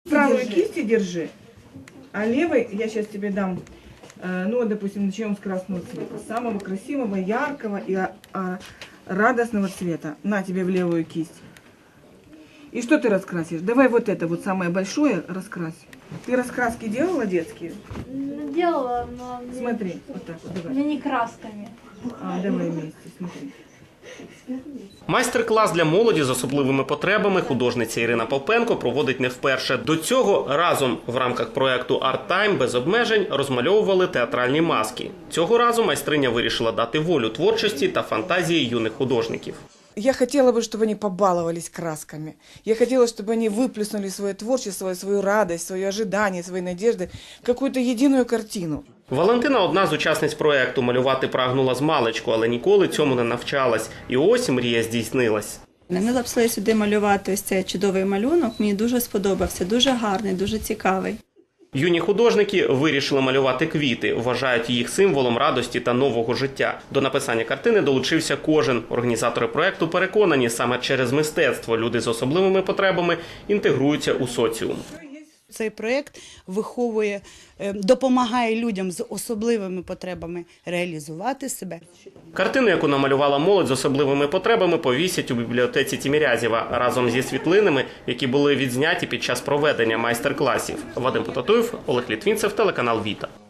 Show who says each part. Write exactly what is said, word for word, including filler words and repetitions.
Speaker 1: Правую кисти держи, а левой я сейчас тебе дам, э, ну, допустим, начнем с красного цвета, самого красивого, яркого и а, а, радостного цвета. На тебе в левую кисть. И что ты раскрасишь? Давай вот это вот самое большое раскрась. Ты раскраски делала детские?
Speaker 2: Делала, но мне,
Speaker 1: Смотри, вот так вот, давай.
Speaker 2: мне не красками.
Speaker 1: А, давай вместе, смотри.
Speaker 3: Майстер-клас для молоді з особливими потребами художниця Ірина Попенко проводить не вперше. До цього разом в рамках проєкту «Арт Тайм» без обмежень розмальовували театральні маски. Цього разу майстриня вирішила дати волю творчості та фантазії юних художників.
Speaker 4: Я хотела бы, чтобы они побаловались красками. Я хотела, чтобы они выплеснули свое творчество, свою радость, свое ожидание, свои надежды в какую-то единую картину.
Speaker 3: Валентина – одна з учасниць проєкту. Малювати прагнула змалечку, але ніколи цьому не навчалась. І ось мрія здійснилась.
Speaker 5: Ми записали сюди малювати ось цей чудовий малюнок. Мені дуже сподобався, дуже гарний, дуже цікавий.
Speaker 3: Юні художники вирішили малювати квіти, вважають їх символом радості та нового життя. До написання картини долучився кожен. Організатори проєкту переконані, саме через мистецтво люди з особливими потребами інтегруються у соціум.
Speaker 6: Цей проєкт виховує, допомагає людям з особливими потребами реалізувати себе.
Speaker 3: Картину, яку намалювала молодь з особливими потребами, повісять у бібліотеці Тімірязєва разом зі світлинами, які були відзняті під час проведення майстер-класів. Вадим Потатуєв, Олег Літвінцев, телеканал Віта.